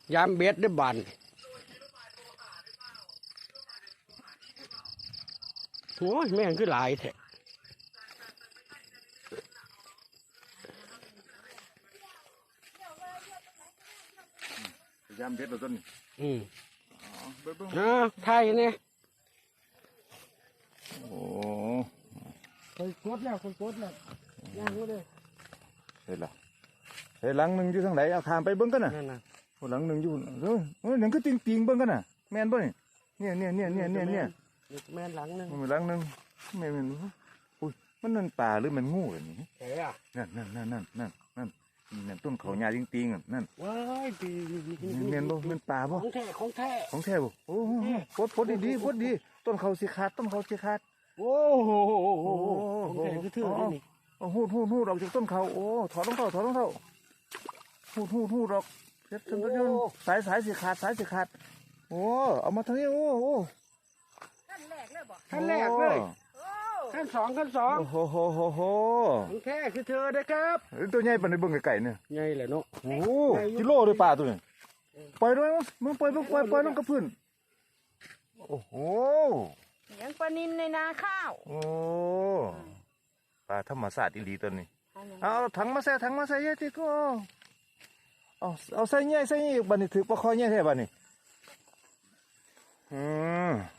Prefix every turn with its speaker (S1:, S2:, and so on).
S1: ยามเบ็ดได้บานโอ้ยแม่งคือหลายแท้
S2: ยามเด็ดเราต้น
S1: ไทยเนี่ย
S2: โอ้
S1: คนกดแล้วคนกดแล้วย่างก็เลย
S2: เห็นละเห็นหลังหนึ่งอยู่ทางไหนเอาขามไปเบิ้งกันน่ะหลังหนึ่งอยู่หนึ่งก็ติงติงเบิ้งกันน่ะแม่นป่ะเนี่ย
S1: แม่นหลังนึง
S2: มันหลังหนึ่งแม่นอุ้ยมันนั่นป่าหรือมันงูอะไรนี่นั่นต้นเขาหญ้าติงติงนั่น
S1: ว้ายปี
S2: เมียนบ่เมียนป่าบ่
S1: ของแท้
S2: บ่โอ้พดดีต้นเขาสิขาด
S1: โอ้โหของแท้คือถือนี่
S2: หูดออกจากต้นเขาโอ้ถอดรองเท้าหูดออกเช็ดจนสายสิขาดโอ้เอามาทางนี้โอ้
S1: ขั้นแรกเลยขั้นสอง
S2: โอ้โห
S1: ของแท้คือเธอเด้อครับ
S2: ตัวใหญ่ปานในเบิ่งไก่เนี่ย
S1: ใหญ่แหละเนาะ
S2: โอ้กิโลเลยป่าตัวนี้ปล่อยด้วยมึงปล่อยลงกับพื้นโอ้โห
S3: ยังปลานิลในนาข้าว
S2: โอ้ปลาธรรมศาสตร์อีหลีตัวนี้เอาถังมาใส่เยอะที่ก็เอาใส่เงี้ยบัดนี้ถือปลาคอเงี้ยแท้บัดนี้